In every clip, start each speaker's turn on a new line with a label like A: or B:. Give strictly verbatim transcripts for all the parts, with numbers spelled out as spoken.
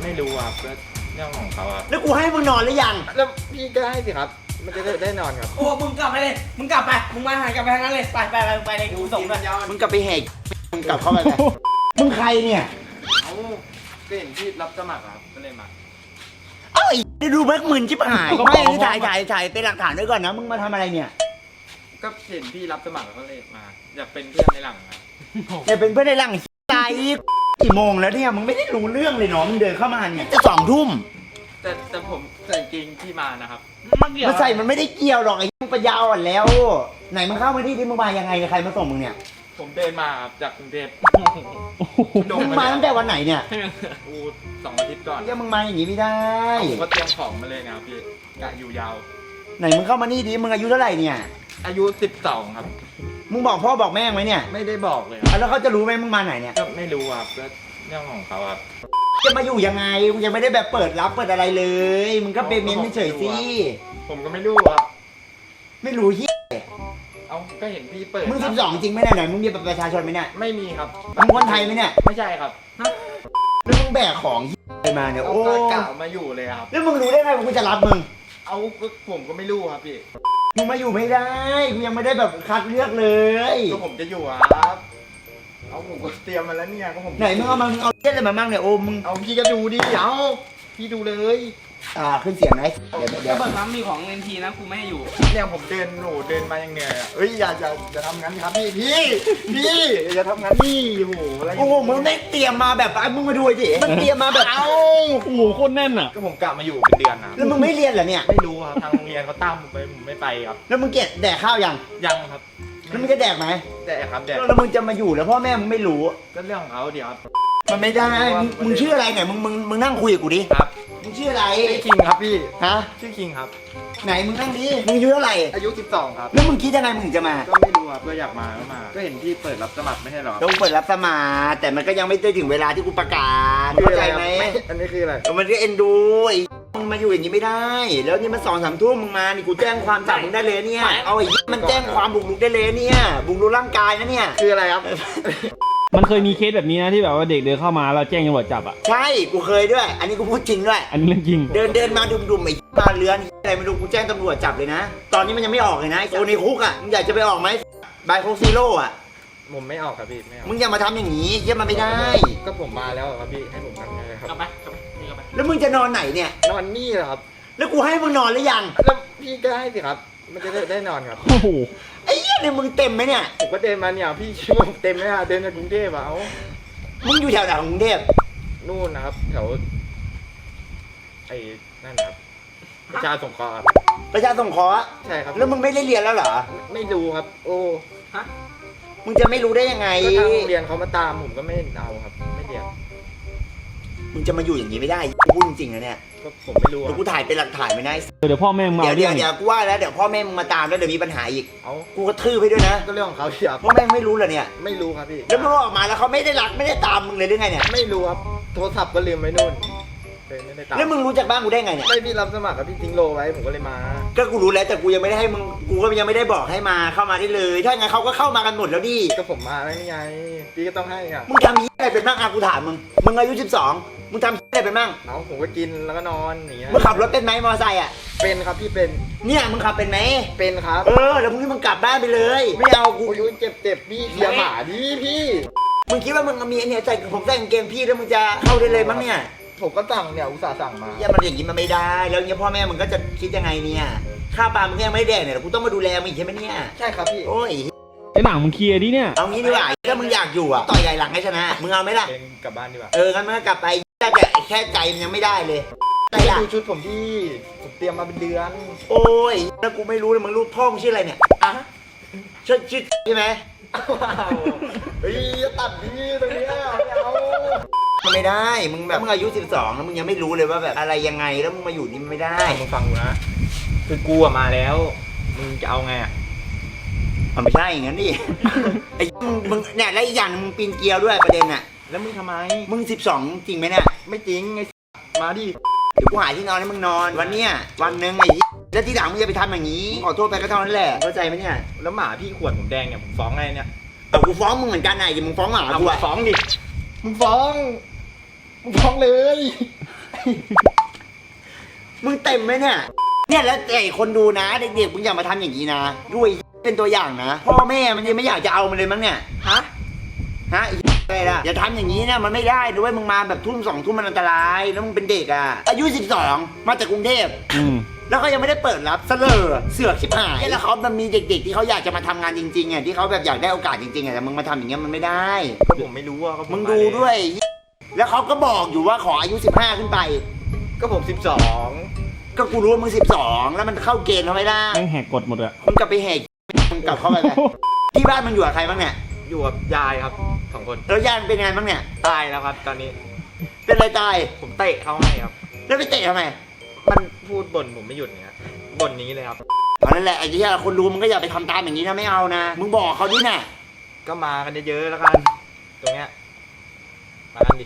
A: ไม่รู้ครับก็เรื่องของเขาครับ
B: แล้วกูให้มึงนอนหรือยัง
A: แล้วพี่ก็ให้สิครับมันจะได้ได้นอนครับ
C: โอ้มึงกลับไปเลยมึงกลับไปมึงมาหากลับไปทางนั้นเลยไปไปไปไปเลยกูส่งไป
B: มึงกลับไปแหกมึงกลับเข้าไปเลยมึงใครเนี่ย
A: เอาก็เห็นพี่รับสมัครครับก็เลยมา
B: เอ้ยดูแม็กมึนชิบหายไม่นี่ถ่ายถ่ายถ่ายเป็นหลักฐานด้วยก่อนนะมึงมาทำอะไรเนี่ย
A: ก็เห็นพี่รับสมัครก็เลยมาอยากเป็นเพื่อนในหลังครับ
B: แต่เป็นเพื่อนในหลังใจกี่โมงแล้วเนี่ยมึงไม่ได้รู้เรื่องเลยเนาะมึงเดินเข้ามาเนี่ยจะสองทุ่ม
A: แต่แต่ผมใส่กางเกงที่มานะครับ
B: มาใส่มันไม่ได้เกี่ยวหรอกไอ้มึงปัญญาอ่อนแล้วไหนมึงเข้ามาที่ที่มึงมายังไงใครมาส่งมึงเนี่ย
A: ผมเดินมาจากกรุงเทพ
B: มึงมาตั้งแต่วันไหนเนี่ย
A: อูสองอาทิตย์ก่อน
B: ก็มึงมาอย่างนี้ไม่ได้
A: ผมก็เตรียมของมาเลยนะครับพี่กะอยู่ยาว
B: ไหนมึงเข้ามานี่ดิมึงอายุเท่าไหร่เนี่ย
A: อายุสิบสองครับ
B: มึงบอกพ่อบอกแม่ไหมเนี่ย
A: ไม่ได้บอกเลย
B: แล้วเขาจะรู้ไหมมึงมาไหนเนี่ย
A: ก็ไม่รู้ครับก็เรื่องของเขาครับ
B: จะมาอยู่ยังไงมึงยังไม่ได้แบบเปิดรับเปิดอะไรเลยมึงก็เปเมนต์เฉยๆสิ
A: ผมก็ไม่รู้ครับ
B: ไม่รู้ที่
A: เอาก็เห็นพี่เปิด
B: มึงสิบสองจริงไหมเนี่ยไหนมึงมีบัตรประชาชนไหมเนี่ย
A: ไม่มีครับ
B: มึงคนไทยไหมเนี่ย
A: ไม่ใช่ครับ
B: แล้วมึงแบกของอะไรมาเนี่ยโอ้
A: กะมาอยู่เลยครับ
B: แล้วมึงรู้ได้ไงว่ากูจะรับมึง
A: เอาผมก็ไม่รู้ครับพี่
B: มึงมาอยู่ไม่ได้กูยังไม่ได้แบบคัดเลือกเลย
A: ก็ผมจะอยู่ครับเอาผมก็เตรียมมาแล้วเนี่ยก็ผม
B: ไหนมึงเอามามึงเอาเล่นอะไรมาบ้างเนี่ยโอ้มึง
A: เอาพี่ก็ดูดิเอาพี่ดูเลย
B: อ่าขึ้นเสียงไหม
C: เดี๋ยวเดี๋ยวเปิดน้ำมีของเอ็นทีนะกูไม่ให้อยู่
A: เนี่ยผมเดินหนูเดินมาอย่างเหนื่อยเอ้ยอย่าอย่าอย่าทำงั้นครับพี่พี่พี่อย่าทำงั้นนี่โอ้โหอะไร
B: โอ้โหมึงได้เตรียมมาแบบมึงมาดูดิมันเตรียมมาแบบ
A: เอ้า
D: โอ้โหโคตรแน่นอ่ะ
A: ก็ผมกลับมาอยู่เป็นเดือนนะ
B: แล้วมึงไม่เรียนเหรอเนี่ย
A: ไม่รู้ครับทางโรงเรียนเขาตามผมไปผมไม่ไปครับ
B: แล้วมึงเก็บแดกข้าวยัง
A: ยังครับ
B: แล้วมึงจะแดกไหม
A: แดกครับแดก
B: แล้วมึงจะมาอยู่แล้วพ่อแม่มึงไม่รู้
A: ก็เรื่องของเขาเดี๋ยวครับ
B: มันไม่ได้มึงชื่ออะไรเนี่ยมึงมึงมึงนั่งคุยกับกูดิ
A: ครับ
B: มึงชื่ออะไร
A: ชื่อคิงครับพี่
B: ฮะ
A: ชื่อคิงครับ
B: ไหนมึงนั่งดิมึงอายุเท่าไหร่
A: อายุสิบสองครับ
B: แล้วมึงคิดยังไงมึงถึงจะมา
A: ก็ไม่รู้ครับก็อยากมาก็มาก็เห็นพี่เปิดรับสมัครไม่ใช่หรอ
B: ต้องเปิดรับสมัครแต่มันก็ยังไม่ได้ถึงเวลาที่กูประกาศเข้าใจไหม
A: อันนี้คืออะไร
B: มันก็เอ็นดูมึงมาอยู่อย่างนี้ไม่ได้แล้วนี่มันสองสามทุ่มมึงมานี่กูแจ้งความจับมึงได้เลยเนี่ยเอาไอ้มันแจ้งความบุกรุกได้เลยเนี่ยบุกรุกร่างกายนะเนี่ย
A: คืออะไรครับ
D: มันเคยมีเคสแบบนี้นะที่แบบว่าเด็กเดินเข้ามาเราแจ้งตำรวจจับอ่ะ
B: ใช่กูเคยด้วยอันนี้กูพูดจริงด้วย
D: อันนี้เรื่องจริง
B: เดินเดินมาดุมๆไอ้มาเรือนอะไรไม่รู้กูแจ้งตำรวจจับเลยนะตอนนี้มันยังไม่ออกเลยนะตัวในคุกอ่ะมึงอยากจะไปออกไหมบายโคซีโร่อ่ะ
A: ผมไม่ออกครับพี่ไม่ออก
B: มึงอย่ามาทำอย่างนี้เยี่ยมมาไม่ได้
A: ก็ผมมาแล้วครับพี่ให้ผมทำไงครับ
C: กลับไปกลับไปนี่กลับไป
B: แล้วมึงจะนอนไหนเนี่ย
A: นอนนี่เหรอครับ
B: แล้วกูให้มึงนอนหรือยัง
A: แล้วพี่ก็ให้สิครับมันจะได้ได้นอนครับ
D: โอ้โห
B: ไอ้เหี้ยเนี่ยมึงเต็มไหมเนี่ย
A: ผมก็เดินมาเนี่ยพี่ช่วยเต็มไหมอะเดินจากกรุงเทพอะเอา
B: มึงอยู่แถวไหนของกรุงเทพ
A: นู่นนะครับแถวไอ้นั่นนะครับประชาสงเคราะห์
B: ประชาสงเคราะห์
A: ใช่ครับ
B: แล้วมึงไม่ได้เรียนแล้วเหรอ
A: ไม่รู้ครับโอ้
C: ฮะ
B: มึงจะไม่รู้ได้ยังไง
A: ก็ทางโรงเรียนเขามาตามผมก็ไม่เอาครับไม่เรียน
B: มึงจะมาอยู่อย่างนี้ไม่ได้กูพูดจริงๆนะเนี่ย
A: ก็ผมไม่รู้
B: เดี๋ยวกูถ่ายเป็นหลักฐานไม่ได้
D: เดี๋ยวพ่อแม่มา
B: เดี๋ยวเดี๋ยวเดี๋ยวกูว่าแล้วเดี๋ยวพ่อแม่มึงมาตามแล้วเดี๋ยวมีปัญหาอีก
A: เอา
B: กูก็ทื่อไปด้วยนะ
A: ก็เรื่องของเขาเชียว
B: พ่อแม่ไม่รู้เหรอเนี่ย
A: ไม่รู้ครับพี่
B: แล้วมึงออกมาแล้วเขาไม่ได้รักไม่ได้ตามมึงเลยหรือไงเนี่ย
A: ไม่รู้ครับโทรศัพท์ก็ลืมไว้นู่นไม่ได้ตาม
B: แล้วมึงรู้จักบ้านกูได้ไงเนี่ย
A: ไม่พี่รับสมัครกับพี่ทิ้งโลไว้ผมก็เลยมา
B: ก็กูรู้แล้วแต่กูยังไม่ได้ให้มึงกูก็ยังไม่ได้บอกให้มาเข้ามาได้เลยถ้าไงเขาก็เข้ามากันหมดแล้วดิ
A: ก็ผมมาแล้วนี่ไงพี่ก็ต้องให้อ่ะ
B: มึงทำอะไรเป็นบ้างอ่ะกูถามมึงมึงอายุสิบสองมึงทำอะไรเป็นบ้าง
A: เอาผมก็กินแล้วก็นอนอย่างเงี้ย
B: มึงขับรถเป็นไหมมอเตอร์ไซค์อ่ะ
A: เป็นครับพี่เป็น
B: เนี่ยมึงขับเป็นไหม
A: เป็นครับ
B: เออแล้วมึงนี่มึงกลับบ้านไปเลยไม่เอากู
A: อายุเจ็บเจ็บพี่เสียหมาดิพี่
B: มึงคิดว่ามึงมีเนี่ยใส่ผมใส่กางเกงพี่แล้วมึงจะเข้าได้เลยมั้งเนี่ย
A: ผมก็สั่งเนี่ยอุตส่าห์สั่งมา
B: อย่ามันอย่างนี้มันไม่ได้แล้วเนี่ยพ่อแม่มึงก็จะคิดยังไงเนี่ยข้าวปลามึงยังไม่แดกเนี่ยกูต้องมาดูแลมึงอีกใช่ไหมเนี่ย
A: ใช่ครับพี่
B: โอ้ย
D: ไอ้หนังมึงเคลียร์ดิเนี่ย
B: เอางี้ดีกว่าถ้ามึงอยากอยู่อ่ะต่อยใหญ่หลังให้ชนะมึงเอาไหมล่ะ
A: กลับบ้านดีกว่า
B: เอองั้นมึงกลับไปแต่แค่ใจมันยังไม่ได้เลย
A: ดูชุดผมที่ผมเตรียมมาเป็นเดือน
B: โอ้ยแล้วกูไม่รู้เลยมึงรู้พ่อมึงชื่ออะไรเนี่ยอ่ะชื่อชื่อใช่ไหม
A: เฮ้ยตัดดีตรงนี้เอา
B: มันไม่ได้มึงแบบมึงอายุสิบสองแล้วมึงยังไม่รู้เลยว่าแบบอะไรยังไงแล้วมึงมาอยู่นี่มันไม่ได้
A: มึงฟังกูนะคือกูอะมาแล้วมึงจะเอาไงอะ
B: มันไม่ใช่อย่างนั้นดิไอ้มึงมึงเนี่ยแล้วอีกอย่างมึงปีนเกลียวด้วยประเด็นอะ
A: แล้วมึงทำไม
B: มึงสิบสองจริงไหมเนี่ย
A: ไม่จริงไงมาดิ
B: เดี๋ยวกูหาที่นอนให้มึงนอนวันเนี้ยวันหนึ่งไอ้แล้วที่หลังมึงอย่าไปทำอย่างนี้ขอโทษไปก็เท่านั้นแหละเข้าใจไหมเนี่ย
A: แล้วหมาพี่ขวดผมแดงเนี่ยผมฟ้องไงเนี่ย
B: เอากูฟ้องมึงเหมือนกันไงมึงฟ้องหมากู
A: ฟ้องดิมึงฟ้องมึงฟ้องเลย
B: มึงเต็มไหมเนี่ยเนี่ยแล้วไอ้คนดูนะเด็กๆมึงอย่ามาทำอย่างนี้นะด้วยเป็นตัวอย่างนะพ่อแม่มันยังไม่อยากจะเอามันเลยมั้งเนี่ยฮะฮะอะไรล่ะอย่าทำอย่างนี้นะมันไม่ได้ด้วยมึงมาแบบทุ่มสองทุ่มมันอันตรายแล้วมึงเป็นเด็กอ่ะอายุสิบสองมาจากกรุงเทพ
D: อืม
B: แล้วก็ยังไม่ได้เปิดรับเสลอเสือกชิบหายแล้วเขามันมีเด็กๆที่เขาอยากจะมาทำงานจริงๆอ่ะที่เขาแบบอยากได้โอกาสจริงๆอ่ะแต่มึงมาทำอย่างเงี้ยมันไม่ได้
A: ก็ผมไม่รู้อ่ะก็ผ
B: มึงดูด้วย แล้วเขาก็บอกอยู่ว่าขออายุสิบห้าขึ้นไป
A: ก็ผมสิบสอง
B: ก็กูรู้ว่ามึงสิบสองแล้วมันเข้าเกณฑ์เขาไม่ได้
D: แม่งแหกกฎหมดอะ
B: มึงกลับไปแหกมึงกลับเข้าไปไปที่บ้านมึงอยู่กับใครบ้างเนี่ย
A: อยู่กับยายครับสองคน
B: แล้วย่านเป็นไงบ้างเนี่ย
A: ตายแล้วครับ ตอนนี้
B: เป็นอะไรตาย
A: ผมเตะเขาให้ครับ
B: แล้วไปเตะทำไม
A: มันพูดบ่นผมไม่หยุดเนี่ยบ่นนี้เลยครับ
B: เพราะนั่นแหละไอ้ที่คนรู้มึงก็อย่าไปทำตามอย่างนี้นะไม่เอานะมึงบอกเขาดิน่ะ
A: ก็มากันเยอะๆแล้วกัน ตรงเนี้ยมากันดิ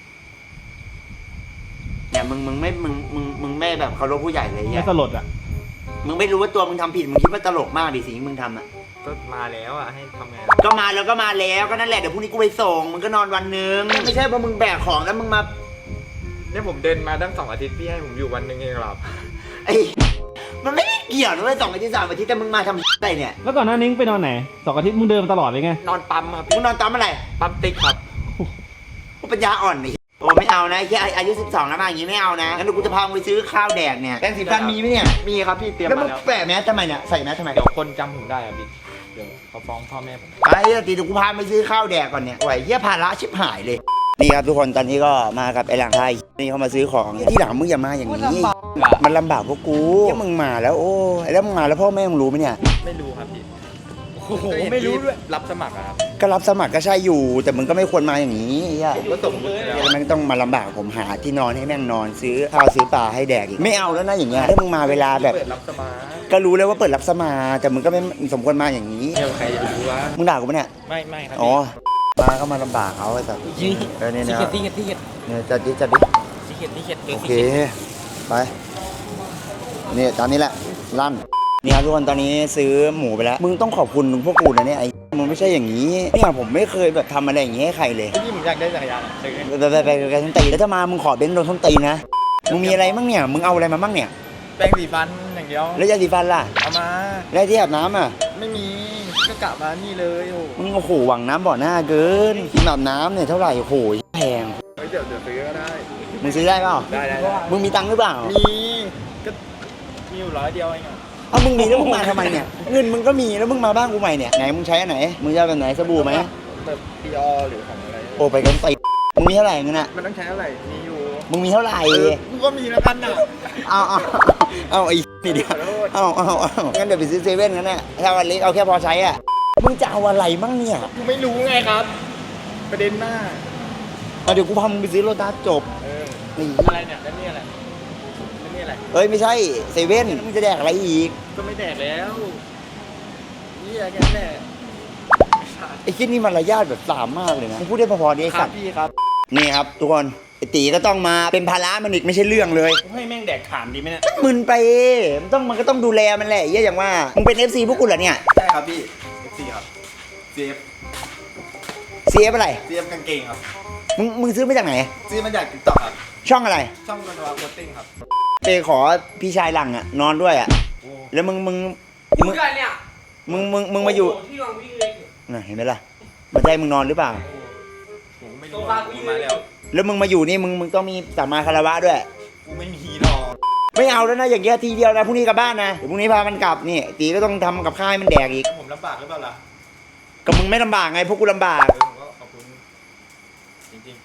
B: เนี่ยมึงมึงไม่มึงมึงมึงไม่แบบเคารพผู้ใหญ่เลย
D: ไม่
B: เนี่ย
D: สลดอะ
B: มึงไม่รู้ว่าตัวมึงทำผิดมึงคิดว่าตลกมากดิสิ่งที่มึงทำอ่ะ
A: ก็มาแล้วอ่ะให้ทำไง
B: ก็มาแล้วก็มาแล้วก็นั่นแหละเดี๋ยวพรุ่งนี้กูไปส่งมึงก็นอนวันหนึงไม่ใช่เพราะมึงแบกของแล้วมึงมา
A: เนี่ยผมเดินมาตั้งสองอาทิตย์พี่ให้ผมอยู่วันหนึ่งเองครับ
B: ไอ้มันไม่ได้เกี่ยวนะเว้ยสองอาทิตย์สามอาทิตย์แต่มึงมาทำอะไรเนี่ย
D: แล้วก่อนหน้านี้มึงไปนอนไหนสองอาทิตย์มึงเดินมาตลอดเลยไง
A: นอนปั๊มครับ
B: มึงนอนตามอะไร
A: ปั๊มติ๊กครับ
B: กูปัญญาอ่อนนี่โอ้ไม่เอานะแค่อายุสิบสองแล้วมาอย่างงี้ไม่เอานะงั้นเดี๋ยวกูจะพามึงไปซื้อข้าวแดกเนี่ยแป้งสีฟันมีไหมเนี่ย
A: มีครับพี่เตรียม
B: แล้วมึ
A: มาง แล้ว
B: แปะแมสทำไมเนี่ยใส่แมสทำไม
A: เดี๋ยวคนจำผมได้อ่ะพี่เดี๋ยวเขาฟ้องพ่อแม่ผม
B: ไอ้เหี้ยตีเดี๋ยวกูพาไปซื้อข้าวแดกก่อนเนี่ยโอ้ยเหี้ยภาระชิบหายเลยนี่ครับทุกคนตอนนี้ก็มากับไอ้หลังไทยนี่เขามาซื้อของที่หลังมึงอย่ามาอย่างนี้มันลำบากพวกกูที่มึงมาแล้วโอ้แล้วมึงมาแล้วพ่อแม่มึงรู้ไหมเนี่ย
A: ไม่รู้ครับพี่
B: โอ้โหไม่รู้ด้วย
A: รับสมัครอะครับ
B: ก็รับสมัครก็ใช่อยู่ แต่มึงก็ไม่ควรมาอย่างนี้ไอ้เหี้ย
A: ผมก็ส่งมุดไปแล้ว
B: แล้วมันต้องมาลำบากผมหาที่นอนให้แม่งนอนซื้อข้าวซื้อปลาให้แดกอีกไม่เอาแล้วนะอย่างเงี้ยถ้ามึงมาเวลาแบบ
A: เปิดรับสมัคร
B: ก็รู้แล้วว่าเปิดรับสมัครแต่มึงก็ไม่สมควรมาอย่างนี้
A: เดี๋ยวใครจะไปรู้วะ
B: มึงด่ากูปะเนี่ย
A: ไม่ไม่ครับ
B: อ๋อมาก็มาลำบากเขาไอ้สัตว์เออเนี่ย
C: สี
B: เนี่ย
C: เขียดสีเขียดสีเขียด
B: เนี่ยจัดดิจัดดิ
C: สีเขียดสีเขียด
B: โอเคไปนี่ตอนนี้แหละลั่นนี่ครับทุกคนตอนนี้ซื้อหมูไปแล้วมึงต้องขอบคุณพวกกูนะเนี่ยไอ้มึงไม่ใช่อย่างนี้เนี่ยผมไม่เคยแบบทำอะไรอย่างนี้ให้ใครเลย
A: พี่ผมอยากได้จักรยานอะซื้อให้
B: ไปไปไปไปไปส้นตีนแล้วถ้ามามึงขอเบนซ์โดนส้นตีนนะมึงมีอะไรมั่งเนี่ยมึงเอาอะไรมามั่งเนี่ย
A: แปรงสีฟันอย่างเดียว
B: แล้วยาสีฟันล่ะ
A: เอามา
B: แล้วที่อาบน้ำอ่ะ
A: ไม่มีก็กะมานี่เลยโอ้
B: มึงโอ้โหหวังน้ำบ่อหน้าเกินกินอาบน้ำเนี่ยเท่าไหร่โอ้โหแพง
A: เฮ้ยเดี๋ยวเดี๋ยวซื้อก็ได้
B: มึงซื้อได้เปล่า
A: ได้ได้ได้
B: มึงมีตังค์หรือเปล่า
A: มีก็มีอยู่ร้อยเดียวเองอะ
B: เอามึงมีแล้วมึงมาทำไมเนี่ยเงินมึงก็มีแล้วมึงมาบ้านกูใหม่เนี่ยไหนมึงใช้อันไหนมึงจะเอาแบบไหนสบู่ไหม
A: แบบดีออหรือของอะไร
B: โอ้ไปกันไปมึงมีเท่าไหร่เงินอ่ะ
A: มันต้องใช้อะไรมีอยู่
B: มึงมีเท่าไหร่
A: เออกูก็มีแล้วกันน่ะ
B: เอาเอาเอาไอ้นี่เดียวเอาเอาเอางั้นเดี๋ยวไปซื้อเซเว่นกันแน่ถ้าวันเล็กเอาแค่พอใช้อ่ะมึงจะเอาอะไรมั่งเนี่ย
A: กูไม่รู้ไงครับ ประเด็นหน้า
B: เอาเดี๋ยวกูพามึงไปซื้อโลตัสจบ
A: เออ
B: นี่
A: อะไรเนี่ยแล้วนี่อะไรแล้วนี่อะไร
B: เอ้ยไม่ใช่เซเว่นมึงจะแดกอะไรอีก
A: ก็ไม่แดกแล้วนี่อะไรแน่
B: ไอ้คิดนี่มันระยะแบบสามมากเลยนะมึงพูดได้พอๆดีไอ้
A: ครั
B: สั
A: บ
B: ตว์
A: พี่ครับ
B: นี่ครับทุกคนไอ้ตีก็ต้องมาเป็นภาระมันอีกไม่ใช่เรื่องเลย
D: ให้แม่งแดกขานดีไหมเนี่ย
B: มึนไปมันต้องมันก็ต้องดูแลมันแหละเหี้ยอย่างว่ามึงเป็น เอฟ ซี พวกกูเหรอเนี่ย
A: ใช่ครับพี่เอฟซีครับเซฟ
B: ซีเอฟอะไร
A: เซฟกางเกงครับ
B: มึงมึงซื้อมาจากไหน
A: ซื้อมาจากติ๊กต็อกครับ
B: ช่องอะไร
A: ช่องกันวาโคตติ้งครับ
B: ไปขอพี่ชายหลังอะนอนด้วยอะแล้วมึงมึง
C: มึ
B: มึ
C: ง
B: ง
C: กันเนี่ย
B: มึงมึงมึงมาอยู่
C: ที่นอนวิ่งเลย
B: น่ะเห็นไหมล่ะมาใจมึงนอนหรือเปล่า
A: ผมไม่รู้ว่ากูมาแล้ว
B: แล้วมึงมาอยู่นี่มึงมึงต้องมีสัมมาคารวะด้วย
A: กูไม่มีหรอก
B: ไม่เอาแล้วนะอย่างเงี้ยทีเดียวนะพรุ่งนี้กลับบ้านนะเดี๋ยวพรุ่งนี้พามันกลับนี่ตีก็ต้องทำกับข้าวให้มันแดกอีก
A: ผมลำบากหรือเปล่าล่ะ
B: ก็มึงไม่ลำบากไงพวกกูลำบาก
A: เออผมก็ขอบคุณจริง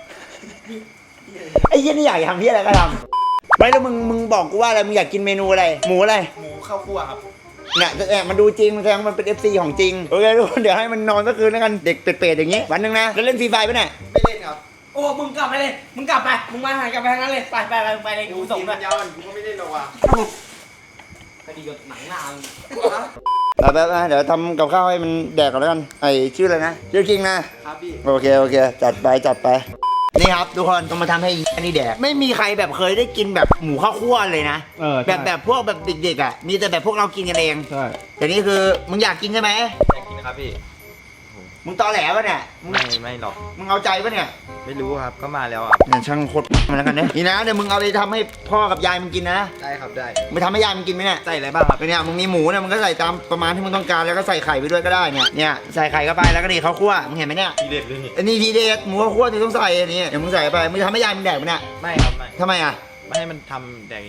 B: ไอ้เหี้ยนี่อยากทำที่อะไรก็ทำไม่แล้วมึงมึงบอกกูว่าอะไรมึงอยากกินเมนูอะไรหมูอะไร
A: ๆหมูข้าวคั่วครับ
B: เนี่ยแต่มันดูจริงมันแสดงว่ามันเป็น เอฟ ซี ของจริงโอเคทุกคนเดี๋ยวให้มันนอนสักคืนแล้วกันเด็กเป็ดๆอย่างงี้วันหนึงนะแล้วเล่นฟรีไฟร์ปะเนี่ย
A: ไม่เล่นครับ
C: โอ้มึงกลับไปเลยมึงกลับไปมึงมาหากลับไปทางนั้นเลยไปไปไปไปเลยกูส่งด้วย
A: ยาวกูก็ไม่เล่นหรอกว่ะ
C: คดีกับหนังหน้ามึง
B: ไปไปไปเดี๋ยวทำกับข้าวให้มันแดกก่อนแล้วกันไอชื่ออะไรนะชื่อคิงนะครับ
A: พี่
B: โอเคโอเคจัดไปจัดไปนี่ครับทุกคนต้องมาทำให้อันนี้แดกไม่มีใครแบบเคยได้กินแบบหมูข้าวคั่วเลยนะ
D: เออ
B: แบ
D: ใช่
B: บแบบพวกแบบเด็กๆอ่ะมีแต่แบบพวกเรากินกันเอง
D: ใช่
B: แต่นี่คือมึงอยากกินใช่ไหม
A: อยากกินนะครับพี่
B: มึงตอแหลปะเนี่ยมึง
A: ไม่ไม่หรอก
B: มึงเอาใจปะเนี่ย
A: ไม่รู้ครับก็มาแล้วครับ
B: เนี่ยช่างโคตรมันแล้วกันเนี่ยนี่นะเดี๋ยวมึงเอาไปทำให้พ่อกับยายมึงกินนะ
A: ได้ครับได้
B: มึงทำให้ยายมึงกินไหมเนี่ย
A: ใส่อะไรบ้างครับ
B: เป็นเนี่ยมึงมีหมูเนี่ยมึงก็ใส่ตามประมาณที่มึงต้องการแล้วก็ใส่ไข่ไปด้วยก็ได้เนี่ยเนี่ยใส่ไข่เข้าไปแล้วก็ดีข้าวคั่วมึงเห็นไหมเนี่ย
A: ทีเด็ดเลยนี่
B: อันนี้ทีเด็ดหมูข้าวคั่วที่ต้องใส่อันนี้เดี๋ยวมึงใส่ไปมึงจะทำให้ยายมึงแดกไหมเนี่ย
A: ไม่ครับไม่
B: ทำไมอ่ะ
A: ไม่ให้มันทำแดกเอง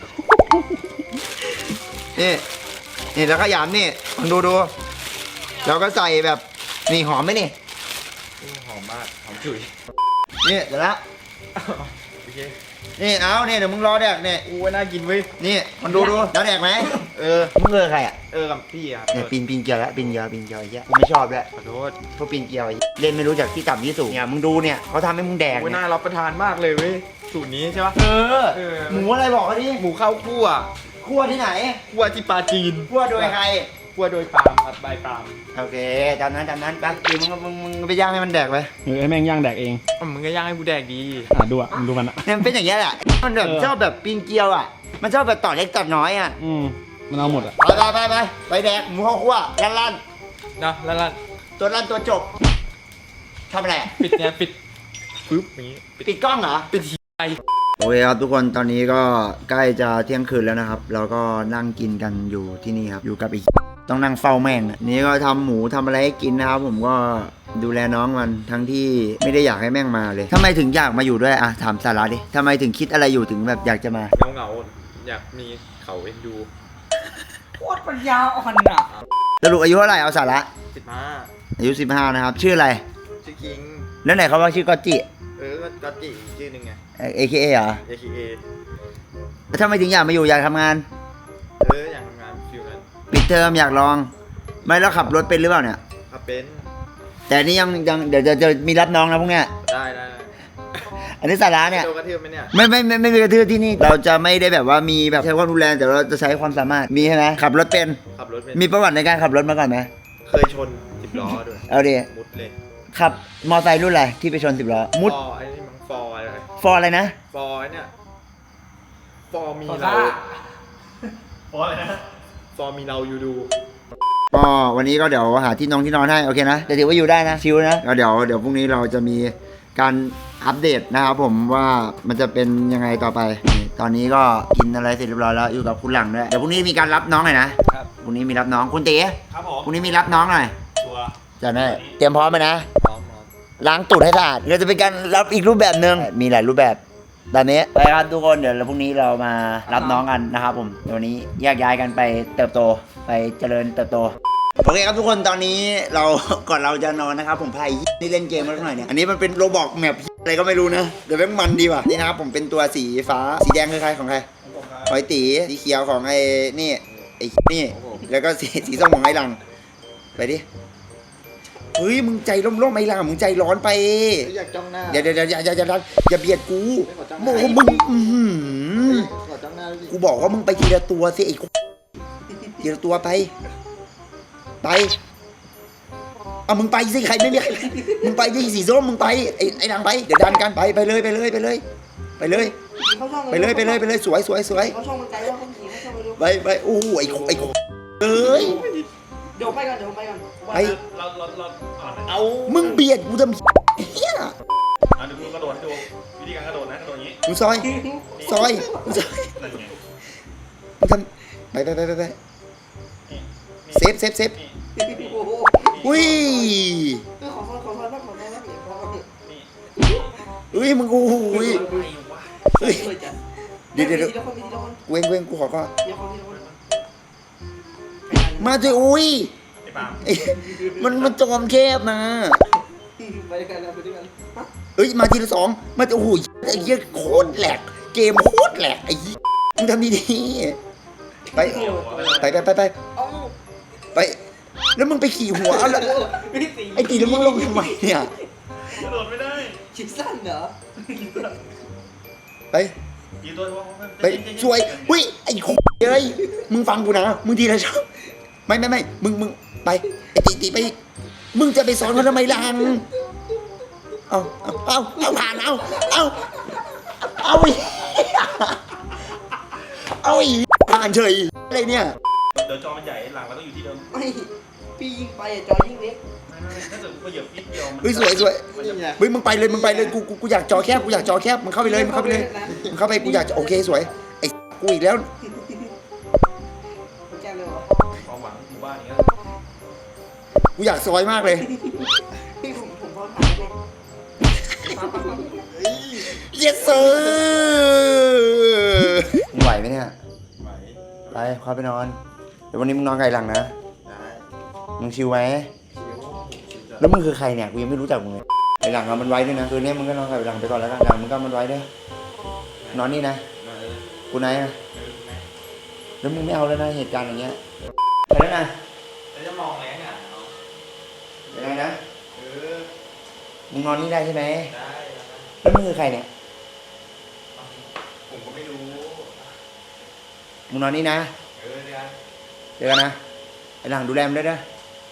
B: นี่นี่แล้วก็ยำนี่มึงดูดูแล้วก็ใส่แบบนี่หอมไหมนี่
A: หอมมากหอมฉุย
B: นี่เดี๋ยวละ
A: โอเค
B: นี่เอาเนี่ยเดี๋ยวมึงรอแดกเนี่ย
A: อู้ว่าน่ากินเว้ย
B: นี่มันดูดูแล้วแดกไหม
A: เออ
B: มึงเออใครอ่ะ
A: เออกับพี่ครับ
B: เนี่ยปีนปีนเกลียวแล้วปีนเกลียวปีนเกลียวไอ้เหี้ยกูไม่ชอบด้วย
A: ขอโทษ
B: พวกปีนเกลียวไอ้เหี้ยเล่นไม่รู้จากที่ต่ำที่สูงเนี่ยมึงดูเนี่ยเขาทำให้มึงแดก
A: อู้
B: เนี่ย
A: น่ารับประทานมากเลยเว้ยสูตรนี้ใช่ปะ
B: เออ
A: เออ
B: หมูอะไรบอกเขาดิ
A: หมูข้าวคั่ว
B: คั่วที่ไหน
A: คั่วที่ปลาจีน
B: คั่วโดยใคร
A: คั่วโดยปาล์มครับใบปาล์ม
B: โอเคตามนั้นตามนั้นไปปีมึงมึงมึงไปย่างให้มันแดกไป
D: เออให้แม่งย่างแดกเอง
A: อ่ะมึงก็ย่างให้กูแดกดี
D: อ่ะดูอ่ะมึงดูมันอ่ะ
B: เนี่ยมันเป็นอย่างเงี้ยแหละมันแบบ
D: เออ
B: ชอบแบบปีนเกลียวอ่ะมันชอบแบบต่อเล็กต่อน้อยอ่ะ
D: อืมมันเอาหมดอ่ะ
B: ไปไปไปไปไปแดกหมูข้าวคั่วลั่นลั่น
A: นะแล้วล่ะ
B: ตัวลั่นตัวจบทำอะไรอะ
A: ปิดเนี่ยปิดปึ๊บอย่างงี้ปิด
B: ปิดกล้องเหรอ
A: ปิดทีไอ
B: โอเคครับทุกคนตอนนี้ก็ใกล้จะเที่ยงคืนแล้วนะครับเราก็นั่งกินกันอยู่ที่นี่ครับอยู่กับอีกต้องนั่งเฝ้าแม่งอะนี่ก็ทำหมูทำอะไรให้กินนะครับผมก็ดูแลน้องมันทั้งที่ไม่ได้อยากให้แม่งมาเลยทำไมถึงอยากมาอยู่ด้วยอะถามสาระดิทำไมถึงคิดอะไรอยู่ถึงแบบอยากจะมา
A: เงาเงาๆอยากมีเขาเอ็นดู
C: โคตรปัญญาอ่อนอ่ะ
B: สรุปอายุเท่าไหร่เอาสาระ
A: สิบห้า
B: อายุสิบห้านะครับชื่ออะไร
A: ชื่อคิง
B: แล้วไหนเขาว่าชื่อก็จิ
A: เออก็ก็จีอีกชื่อหนึ่งไง
B: เอ เค เอ เหรอ
A: เอ เค เอ
B: แล้วทำไมถึงอยากมาอยู่อยากทำงาน
A: เอออยากทำงานฟิลนั้น
B: ปิดเทอมอยากลอง ไม่แล้วขับรถเป็นหรือเปล่าเนี่ย
A: ขับเป็น
B: แต่นี่ยังยังเดี๋ยวจะจะมีรับน้องนะพวกเนี้ย
A: ได้ได้ได้
B: อันนี้สาระเนี่ย
A: โดนกระเทือบไหมเนี่ย
B: ไม่ไม่ไม่ไม่มีกระทืบที่นี่ เราจะไม่ได้แบบว่ามีแบบใช้ความรุนแรงแต่เราจะใช้ความสามารถมีใช่ไหมขับรถเป็น
A: ขับรถเป็น
B: มีประวัติในการขับรถมาก่อนไหม
A: เคยชนสิบล้อด้วย
B: เอาดิ
A: มุดเลย
B: ขับมอไซค์รุ่นอะไรที่ไปชนสิบล้อมุด
A: ฟอร์ไอ้นี่มันฟอร์อะไร
B: ฟอร์อะไรนะ
A: ฟอร์ไอ้เนี่ยฟอร์มี
C: ขอ
A: เรา
C: ซ่า
A: ฟอร์อะไรนะฟอร์มีเราอยู่ดู
B: ก็วันนี้ก็เดี๋ยวหาที่นอนที่นอนให้โอเคนะแต่ถือว่าอยู่ได้นะชิลนะก็เดี๋ยวเดี๋ยวพรุ่งนี้เราจะมีการอัปเดตนะครับผมว่ามันจะเป็นยังไงต่อไปนี่ตอนนี้ก็กินอะไรเสร็จเรียบร้อยแล้วอยู่กับคุณหลังด้วยเดี๋ยวพรุ่งนี้มีการรับน้องหน่อยนะครับ พรุ่งนี้มีรับน้องคุณตี
A: ครับผม
B: พรุ่งนี้มีรับน้องหน่อย
A: ตัว
B: จะได้เตรียมพร้อมไหมนะ
A: พร้อมพร้อม
B: ล้างตูดให้สะอาดเราจะเป็นการรับอีกรูปแบบหนึ่งมีหลายรูปแบบตอนนี้ไปครับทุกคนเดี๋ยวเราพรุ่งนี้เรามารับน้องกันนะครับผมเดี๋ยววันนี้แยกย้ายกันไปเติบโตไปเจริญเติบโตโอเคครับทุกคนตอนนี้เรา ก่อนเราจะนอนนะครับผมพายนี่เล่นเกมมาสักหน่อยเนี่ยอันนี้มันเป็นโรบอกแมปอะไรก็ไม่รู้นะเดี๋ยวแม่งมันดีว่ะนี่นะครับผมเป็นตัวสีฟ้าสีแดงคือใครของใครหอยตีสีเขียวของไอ้นี่ไอ้นี่แล้วก็สีสีส้มของไอ้หลังไปดิเฮ้ยมึงใจร่มๆไอ้หลังมึงใจร้อนไป
A: อยากจ้องหน้า
B: เดี๋ยวเดี๋ยวอย่าอย่าอย่าอย่าอย่าเบียดกู
A: ไม่ขอจ้องห
B: โม
A: น้า
B: มึงอื้อหือ
A: ขอจ้องหน้าดิ
B: กูบอกว่ามึงไปทีละตัวสิไอ้ทีละตัวไปไปเอามึงไปสิใครไม่มีใครมึงไปที่สีส้มมึงไปไอ้ไอ้นางไปเดี๋ยวดันกันไปไปเลยไปเลยไปเลย ไปเลย
C: เขาช่อง
B: ไปเลยไปเลยไปเลยสวยสวยสวย
C: เขาช่องมันไกลว่าเขาขี่เขาช่องไปดู
B: ไปไปโอ้โหไอ้ไอ้เอ้ย
C: เดี๋ยวไปก่อนเดี๋ยวไปก่อน
B: ไป
E: เราเราเราอ่าน
A: เอา
B: มึงเบียดกูทำเฮีย
E: อ่านดูกระโดดให้ดูวิธีการกระโดดนะกระโดดอย่างนี้
B: มึงซอยซอยมึงซอย
E: นั่นไง
B: มึงทำไปไปไปไปไป
E: นี่
B: เซฟเซฟเซฟ
E: นี่
C: โอ้โห
B: อุ้ย
C: เออขอซอยขอซอยบ้างขอซอยบ้างเดี๋ยวขอ
E: นี่
B: อุ้ยมึงโอ้โหย
E: อะไรวะ
B: เฮ้ย
C: เลยจ้ะ
B: เดี๋ยวเดี๋ยวเดี๋ยว
C: ทีละคนทีละคน
B: เว้งเว้งกูขอก็
C: ทีละคนทีละคน
B: มาด้วยอุ้ย
E: ไอ้ปาล์ม
B: เอ้ยมันมันจอมแคบนะ
C: ไปด้วยกันนะไปด้วยกันฮะ
B: เอ้ยมาทีละสองมาโอ้โหไอ้เหี้ยโคตรแหลกเกมโคตรแหลกไอ้เหี้ยมึงทำดีๆไปไปไปไปไป
C: เอ้า
B: ไป แล้วมึงไปขี่หัวเอาละ
C: พี่ตี
B: ไอ้ตีแล้วมึงลงทำไมเนี่ย
E: กระโดดไม่ได้
C: ชิดสั้นเหรอ
B: ไป
E: กี่ตัววะ
B: ไปช่วยอุ้ยไอ้โคเอ้ยมึงฟังกูนะมึงทีละช่องไม่ไม่ไม่มึงมึงไปไอ้ตีตีไปอีกมึงจะไปสอนเขาทำไมล่ะเอาเอาเอาเอาผ่านเอาเอาเอาอีกเอาอีกผ่านเฉยอะไรเนี่ย
E: เดี๋ยวจอมันใหญ่หลังเราต้องอยู่ที่เดิม
C: ไม่พี่ยิงไปอะจอยิ่งเล็ก
E: ไม่ถ้าเกิดกูเหยียบนิดเดียวมัน
B: เฮ้ยสวยสวย
E: มันจะ
B: เฮ้ยมึงไปเลยมึงไปเลยกูกูกูอยากจอแคบกูอยากจอแคบมึงเข้าไปเลยมึงเข้าไปเลยมึงเข้าไปกูอยากจะโอเคสวยไอ้กูอีกแล้ว
C: แก้วเลยวะ
E: ความหวังหมู่บ้านอย่างเงี้ย
B: กูอยากซอยมากเลย
C: พี่ผมผมพอถ่ายเลย
B: yes sir มึงไหวไหมเนี่ย
E: ไหว
B: ไปเข้าไปนอนเดี๋ยววันนี้มึงนอนไกลหลังนะ
E: ได้
B: มึงชิวไหม
E: ชิว
B: แล้วมึงคือใครเนี่ยกูยังไม่รู้จักมึงเลยไอหลังเอามันไว้ด้วยนะคืนนี้มึงก็นอนกับไอหลังไปก่อนแล้วกันหลังมึงก็เอามันไว้ด้วยนอนนี่นะ
E: มาเออ
B: กูไหนนะ
E: เออแม่
B: แล้วมึงไม่เอาแล้วนะเหตุการณ์อย่างเงี้ยไปแล้วนะ
E: แล้วจะมองแรงอ่ะเนาะ
B: ยังไงนะ
E: เออ
B: มึงนอนนี่ได้ใช่ไหม
E: ได้
B: แล้วมึงคือใครเนี่ย
E: ผมก็ไม่รู้
B: มึงนอนนี่นะ
E: เออเดี๋ยว
B: เดี๋ยวกันนะไอหลังดูแลมึงด้วยนะ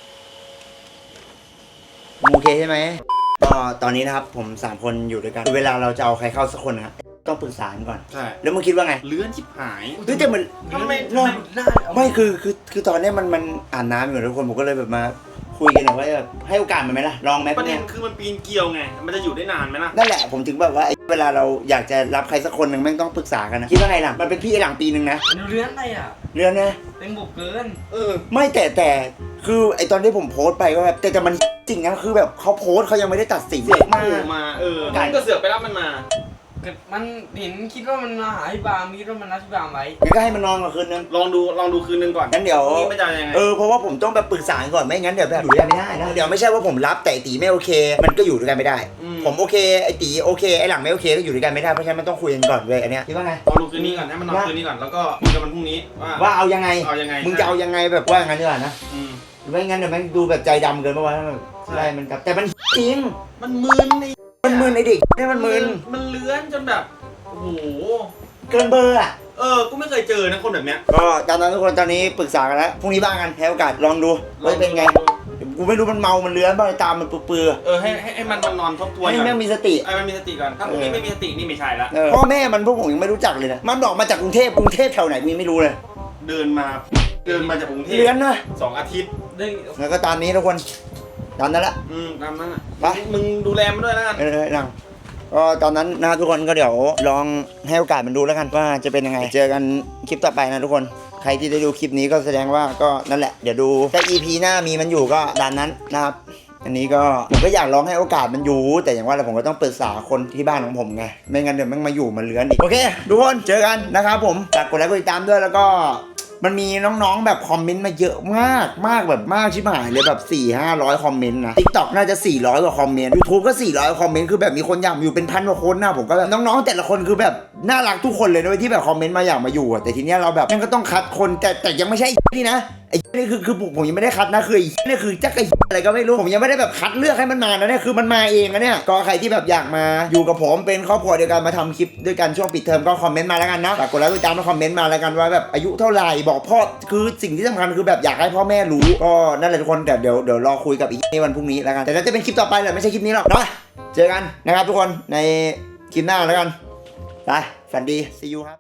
B: มึงโอเคใช่ไหมก็ตอนนี้นะครับผมสามคนอยู่ด้วยกันเวลาเราจะเอาใครเข้าสักคนนะครับต้องปรึกษากันก่อน
E: ใช่
B: แล้วมึงคิดว่าไง
E: เลื่อนชิบหาย
B: เฮ้ยแต่มัน
E: ทำไม
B: เนอะ
E: หน้า
B: ไม่คือคือคือตอนเนี้ยมันมันอาบน้ำอยู่ทุกคนผมก็เลยแบบมาคุยกันหน่อยว่าแบบให้โอกาสมันไหมล่ะลองไหม
E: ประเด็
B: เนี่
E: น
B: ย
E: คือมันปีนเกลียวไง มันจะอยู่ได้นานไหมล่ะ
B: นั่นแหละผมถึงแบบว่าไอ้เวลาเราอยากจะรับใครสักคนหนึ่งแม่งต้องปรึกษากันนะคิดว่าไงล่ะมันเป็นพี่ไอ้หลังปีหนึ่งนะ
C: มันเลื้อนอะไรอ่ะ
B: เรื่องนะ
C: เต็มบุกเกิน
E: เออ
B: ไม่แต่แต่คือไอ้ตอนที่ผมโพสต์ไปก็แบบแต่แต่มันจริงนะคือแบบเขาโพสต์เขายังไม่ได้ตัดสิน
E: เสือก
B: มา
E: โผล่มา เออมันก็เสือกไปรับมันมา
C: เกิดมันเห็นคิดว่ามันมาหาพี่บามคิดว่ามันนัดพี่บามไว้
B: งั้นก็ให้มันนอนก่อนคืนนึง
E: ลองดู ลองดูคืนนึงก่อน
B: งั้นเดี๋ยว
E: นี่มันจะยังไง
B: เออเพราะว่าผมต้องแบบปรึกษาก่อนไม่งั้นเดี๋ยวแบบอยู่ด้วยกันไม่ได้นะเดี๋ยวไม่ใช่ว่าผมรับแต่ไอ้ตีไม่โอเค มันก็อยู่ด้วยกันไม่ได้
E: อืม
B: ผมโอเคไอ้ตีโอเคไอ้หลังไม่โอเคก็อยู่ด้วยกันไม่ได้เพราะฉะนั้นมันต้องคุยกันก่อนเว้ยอันเนี้ยคิดว่าไง
E: ลองดูคืนนี้ก่อนให้มันนอนคืนนี้ก่อน แล้วก็คุยกันมันพรุ่งนี้ว่า
B: ว่าเอายังไง
E: เอายังไง
B: มึงจะเอายังไงแบบว่าอย่างนั้นดีกว่านะ
E: อืม
B: ไม่งั้นเดี๋ยวแม่งดูแบบใจดำเกินไปว่าแบบ
E: ใช่
B: ใช่มันกับแต่มันจริง
E: มันมึนไอ้
B: มันมึนไอ้เด็กนี่มันมึน
E: มันเลื้อนจนแบบ โอ้โห
B: เกินเบอร์อ่ะ
E: เออ กูไม่เคยเจอนะคนแบบเนี้ย
B: ก็ตามนั้นทุกคนตอนนี้ปรึกษากันแล้วพรุ่งนี้บ้างกันให้โอกาสลองดูว่าจะเป็นไงกูไม่รู้มันเมามันเลื้อนบ้างตามมันเปื่อย
E: เออ ให้ให้ให้มันนอนทบท
B: ๆ
E: วน
B: ให้
E: ก่อน
B: แม่งมีสติ
E: ไอ้มันมีสติก่อน ถ้าพวกนี้ไม่มีสตินี่ไม่ใช่ละ
B: เออพ่อแม่มันพวกผมยังไม่รู้จักเลยนะมันบอกมาจากกรุงเทพกรุงเทพแถวไหนกูยังไม่รู้เลย
E: เดินมา เดินมาจากกรุงเทพ
B: เลื้อนนะ
E: สองอาทิตย์
C: เด้ง
B: แล้วก็ตามนี้ทุกคนตามนั้นละ
E: อืมตามนั้นอ่ะ
B: ไป
E: มึงดูแลมันด้วยแล้วกัน
B: เออหลังก็ตอนนั้นนะทุกคนก็เดี๋ยวลองให้โอกาสมันดูแล้วกันว่าจะเป็นยังไง เจอกันคลิปต่อไปนะทุกคนใครที่ได้ดูคลิปนี้ก็แสดงว่าก็นั่นแหละเดี๋ยวดูถ้า อี พี หน้ามีมันอยู่ก็ตามนั้นนะครับอันนี้ก็ผมก็อยากลองให้โอกาสมันอยู่แต่อย่างว่าเราผมก็ต้องปรึกษาคนที่บ้านของผมไงไม่งั้นเดี๋ยวมันมาอยู่มันเลื้อนอีกโอเคทุกคนเจอกันนะครับผมฝากกดไลค์กดติดตามด้วยแล้วก็มันมีน้องๆแบบคอมเมนต์มาเยอะมากมากแบบมากชิบหายเลยแบบสี่ห้าร้อยคอมเมนต์นะ TikTok น่าจะสี่ร้อยกว่าคอมเมนต์ YouTube ก็สี่ร้อยคอมเมนต์คือแบบมีคนอยากมาอยู่เป็นพันกว่าคนนะผมก็แบบน้องๆแต่ละคนคือแบบน่ารักทุกคนเลยด้วยที่แบบคอมเมนต์มาอยากมาอยู่อะแต่ทีเนี้ยเราแบบนั่นก็ต้องคัดคนแต่แต่ยังไม่ใช่นี่นะไอ้นี่คือคือผมผมยังไม่ได้คัดนะคือไอ้นี่คือจักไอ้อะไรก็ไม่รู้ผมยังไม่ได้แบบคัดเลือกให้มันมานะเนี่ยคือมันมาเองนะเนี่ยก็ใครที่แบบอยากมาอยู่กับผมเป็นครอบครัวเดียวกันมาทำคลิปด้วยกันช่วงปิดเทอมก็คอมเมนต์มาแล้วกันนะฝากกดไลค์กดติดตามมาคอมเมนต์มาแล้วกันว่าแบบอายุเท่าไหร่บอกพ่อคือสิ่งที่สำคัญคือแบบอยากให้พ่อแม่รู้ก็นั่นแหละทุกคนแต่เดี๋ยวเดี๋ยวรอคุยกับอีกในวันพรุ่งนี้แล้วกันแต่น่าจะเป็นคลิปต่อไปแหละไม่ใช่คลิปนี้หรอกเนาะเจอกันนะครับทุกคนในคลิปหน้าแล้วกันไปฝันดี see you ครับ